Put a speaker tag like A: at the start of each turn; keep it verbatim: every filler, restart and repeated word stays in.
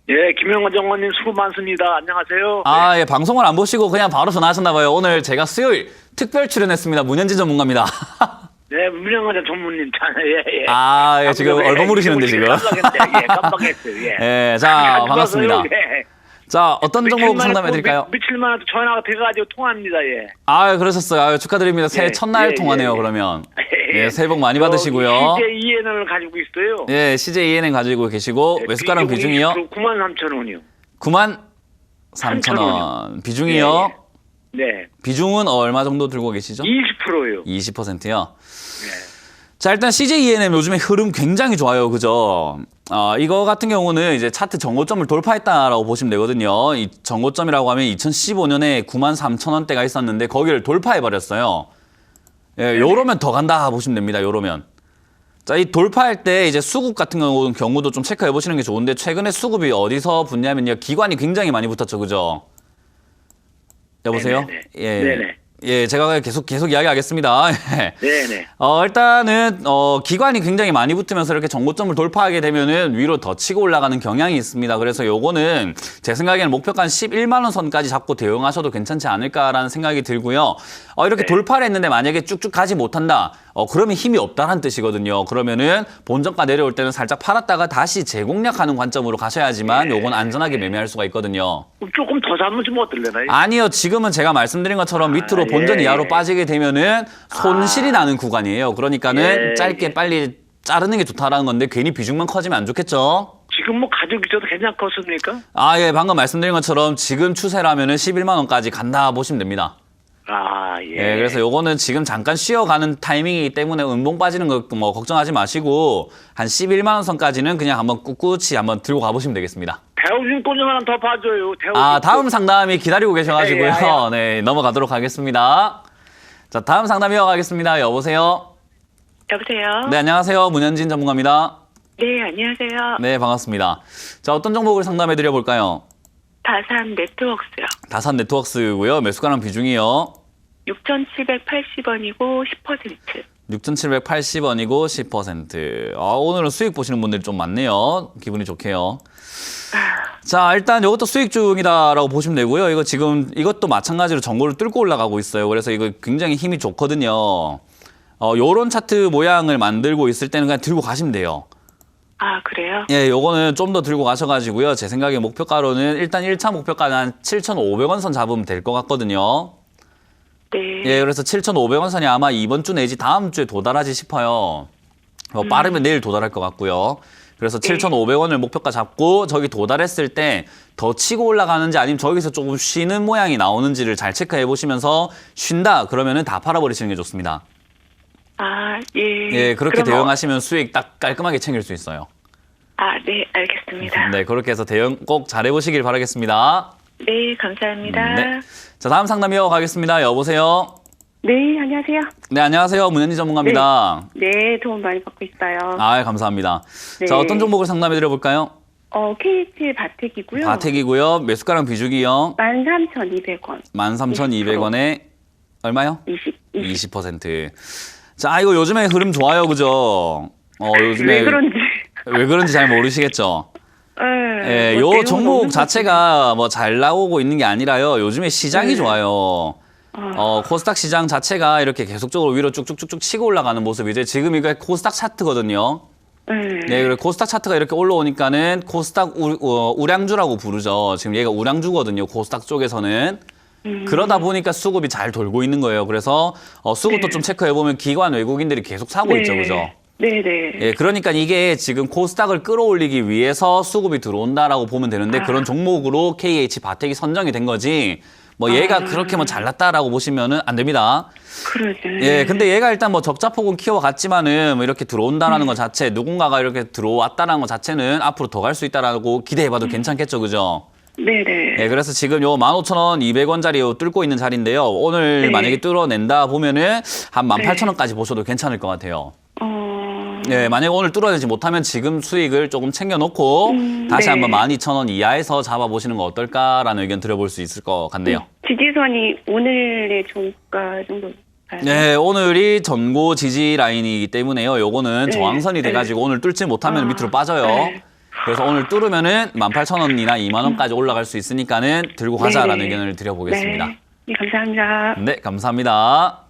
A: 예, 김영환 정원님 수고 많습니다. 안녕하세요.
B: 아, 예, 방송을 안 보시고 그냥 바로 전화하셨나 봐요. 오늘 제가 수요일 특별 출연했습니다. 문현진 전문가입니다.
A: 네, 문영환 전무님, 예, 예.
B: 아, 예, 지금
A: 예,
B: 얼버무리시는데 지금.
A: 깜빡했어요. 예, 깜빡했어요. 예.
B: 예, 자, 반갑습니다.
A: 예.
B: 자, 어떤 종목 상담해드릴까요?
A: 며칠만 해도 전화가 돼가지고 통화합니다. 예.
B: 아, 그러셨어요. 아유, 축하드립니다. 새해
A: 예,
B: 첫날
A: 예,
B: 통화네요,
A: 예,
B: 그러면.
A: 예.
B: 예, 새해 복 많이 받으시고요.
A: 씨제이엔을 가지고 있어요.
B: 예, 씨제이엔엔 가지고 계시고, 매수가랑 비중이요?
A: 구만 삼천 원이요.
B: 구만 삼천 원. 비중이요?
A: 네. 네.
B: 비중은 얼마 정도 들고 계시죠?
A: 이십 퍼센트요.
B: 이십 퍼센트요?
A: 네.
B: 자, 일단 씨제이이엔엠 요즘에 흐름 굉장히 좋아요. 그죠? 어, 이거 같은 경우는 이제 차트 정고점을 돌파했다라고 보시면 되거든요. 이 정고점이라고 하면 이천십오 년에 구만 삼천 원대가 있었는데 거기를 돌파해버렸어요. 예, 요러면 더 간다 보시면 됩니다. 요러면. 자, 이 돌파할 때 이제 수급 같은 경우, 경우도 좀 체크해 보시는 게 좋은데 최근에 수급이 어디서 붙냐면요. 기관이 굉장히 많이 붙었죠. 그죠? 여보세요?
A: 네네.
B: 예.
A: 네네.
B: 예, 제가 계속 계속 이야기하겠습니다.
A: 네네.
B: 어, 일단은 어, 기관이 굉장히 많이 붙으면서 이렇게 정고점을 돌파하게 되면은 위로 더 치고 올라가는 경향이 있습니다. 그래서 요거는 제 생각에는 목표가 한 십일만 원 선까지 잡고 대응하셔도 괜찮지 않을까라는 생각이 들고요. 어, 이렇게
A: 네.
B: 돌파를 했는데 만약에 쭉쭉 가지 못한다. 어, 그러면 힘이 없다는 뜻이거든요. 그러면은 본전가 내려올 때는 살짝 팔았다가 다시 재공략하는 관점으로 가셔야지만
A: 네.
B: 요건 안전하게 매매할 수가 있거든요.
A: 조금 더 잡으면 좀 어떨래나요?
B: 아니요. 지금은 제가 말씀드린 것처럼 밑으로
A: 아,
B: 본전
A: 예.
B: 이하로 빠지게 되면은 손실이
A: 아.
B: 나는 구간이에요. 그러니까는
A: 예.
B: 짧게 빨리 자르는 게 좋다라는 건데 괜히 비중만 커지면 안 좋겠죠?
A: 지금 뭐 가격이 저도 괜찮겠습니까?
B: 아, 예. 방금 말씀드린 것처럼 지금 추세라면은 십일만 원까지 간다 보시면 됩니다.
A: 아, 예.
B: 예. 그래서 요거는 지금 잠깐 쉬어가는 타이밍이기 때문에 음봉 빠지는 거 뭐 걱정하지 마시고 한 십일만 원 선까지는 그냥 한번 꿋꿋이 한번 들고 가보시면 되겠습니다.
A: 대우진 돈 하나 더 봐줘요. 대우진
B: 아, 다음
A: 돈.
B: 상담이 기다리고 계셔가지고요.
A: 예, 예, 예.
B: 네, 넘어가도록 하겠습니다. 자, 다음 상담 이어가겠습니다. 여보세요?
C: 여보세요?
B: 네, 안녕하세요. 문현진 전문가입니다.
C: 네, 안녕하세요.
B: 네, 반갑습니다. 자, 어떤 종목을 상담해 드려 볼까요?
C: 다산 네트워크스요.
B: 다산 네트워크스고요. 매수가랑 비중이요.
C: 육천칠백팔십 원이고 십 퍼센트.
B: 육천칠백팔십 원이고 십 퍼센트. 아, 오늘은 수익 보시는 분들이 좀 많네요. 기분이 좋게요. 자, 일단 이것도 수익 중이다라고 보시면 되고요. 이거 지금 이것도 마찬가지로 정고를 뚫고 올라가고 있어요. 그래서 이거 굉장히 힘이 좋거든요. 어, 요런 차트 모양을 만들고 있을 때는 그냥 들고 가시면 돼요.
C: 아, 그래요?
B: 예, 요거는 좀 더 들고 가셔가지고요. 제 생각에 목표가로는 일단 일 차 목표가는 한 칠천오백 원 선 잡으면 될 것 같거든요.
C: 네.
B: 예, 그래서 칠천오백 원 선이 아마 이번 주 내지 다음 주에 도달하지 싶어요. 어, 빠르면 내일 도달할 것 같고요. 그래서 칠천오백 원을 목표가 잡고 저기 도달했을 때 더 치고 올라가는지 아니면 저기서 조금 쉬는 모양이 나오는지를 잘 체크해 보시면서 쉰다 그러면은 다 팔아버리시는 게 좋습니다.
C: 아, 예.
B: 예, 그렇게
C: 그럼 어-
B: 대응하시면 수익 딱 깔끔하게 챙길 수 있어요.
C: 아, 네, 알겠습니다.
B: 네, 그렇게 해서 대응 꼭 잘해보시길 바라겠습니다.
C: 네, 감사합니다.
B: 네. 자, 다음 상담 이어가겠습니다. 여보세요?
D: 네, 안녕하세요.
B: 네, 안녕하세요. 문현지 전문가입니다.
D: 네, 도움 많이 받고 있어요.
B: 아, 감사합니다.
D: 네.
B: 자, 어떤 종목을 상담해 드려볼까요?
D: 어, 케이에이치 바텍이고요.
B: 바텍이고요. 매수가랑 비중이요.
D: 만 삼천이백 원.
B: 만 삼천이백 원에 얼마요?
D: 이십, 이십.
B: 이십 퍼센트. 자, 이거 요즘에 흐름 좋아요. 그죠? 어, 요즘에
D: 왜 그런지.
B: 왜 그런지 잘 모르시겠죠?
D: 네,
B: 예,
D: 뭐
B: 요
D: 내용
B: 종목
D: 없는
B: 자체가 뭐 잘 나오고 있는 게 아니라요. 요즘에 시장이
D: 네.
B: 좋아요.
D: 아.
B: 어, 코스닥 시장 자체가 이렇게 계속적으로 위로 쭉쭉쭉쭉 치고 올라가는 모습이죠. 지금 이거 코스닥 차트거든요.
D: 네.
B: 네, 그리고 코스닥 차트가 이렇게 올라오니까는 코스닥 우, 어, 우량주라고 부르죠. 지금 얘가 우량주거든요. 코스닥 쪽에서는.
D: 음.
B: 그러다 보니까 수급이 잘 돌고 있는 거예요. 그래서 어, 수급도
D: 네.
B: 좀 체크해보면 기관 외국인들이 계속 사고 있죠. 그죠?
D: 네, 네.
B: 예, 그러니까 이게 지금 코스닥을 끌어올리기 위해서 수급이 들어온다라고 보면 되는데
D: 아.
B: 그런 종목으로 케이에이치 바텍이 선정이 된 거지. 뭐 얘가
D: 아.
B: 그렇게 뭐 잘났다라고 보시면은 안 됩니다.
D: 그러죠.
B: 예, 근데 얘가 일단 뭐 적자폭은 키워갔지만은 뭐 이렇게 들어온다라는 것 자체, 누군가가 이렇게 들어왔다라는 것 자체는 앞으로 더 갈 수 있다라고 기대해봐도 괜찮겠죠, 그죠?
D: 네, 네.
B: 예, 그래서 지금 요 만 오천 원 이백 원짜리 요 뚫고 있는 자리인데요. 오늘
D: 네.
B: 만약에 뚫어낸다 보면은 한 만 팔천 원까지 보셔도 괜찮을 것 같아요.
D: 어.
B: 예, 만약에 오늘 뚫어내지 못하면 지금 수익을 조금 챙겨놓고
D: 음,
B: 다시
D: 네.
B: 한번 만 이천 원 이하에서 잡아보시는 거 어떨까라는 의견 드려볼 수 있을 것 같네요.
D: 지지선이 오늘의 종가 정도.
B: 네, 오늘이 전고 지지 라인이기 때문에요. 요거는
D: 네,
B: 저항선이
D: 네.
B: 돼가지고 오늘 뚫지 못하면
D: 아,
B: 밑으로 빠져요.
D: 네.
B: 그래서 오늘 뚫으면은 만 팔천 원이나 이만 원까지 올라갈 수 있으니까는 들고 가자라는
D: 네네.
B: 의견을 드려보겠습니다.
D: 네, 네 감사합니다.
B: 네, 감사합니다.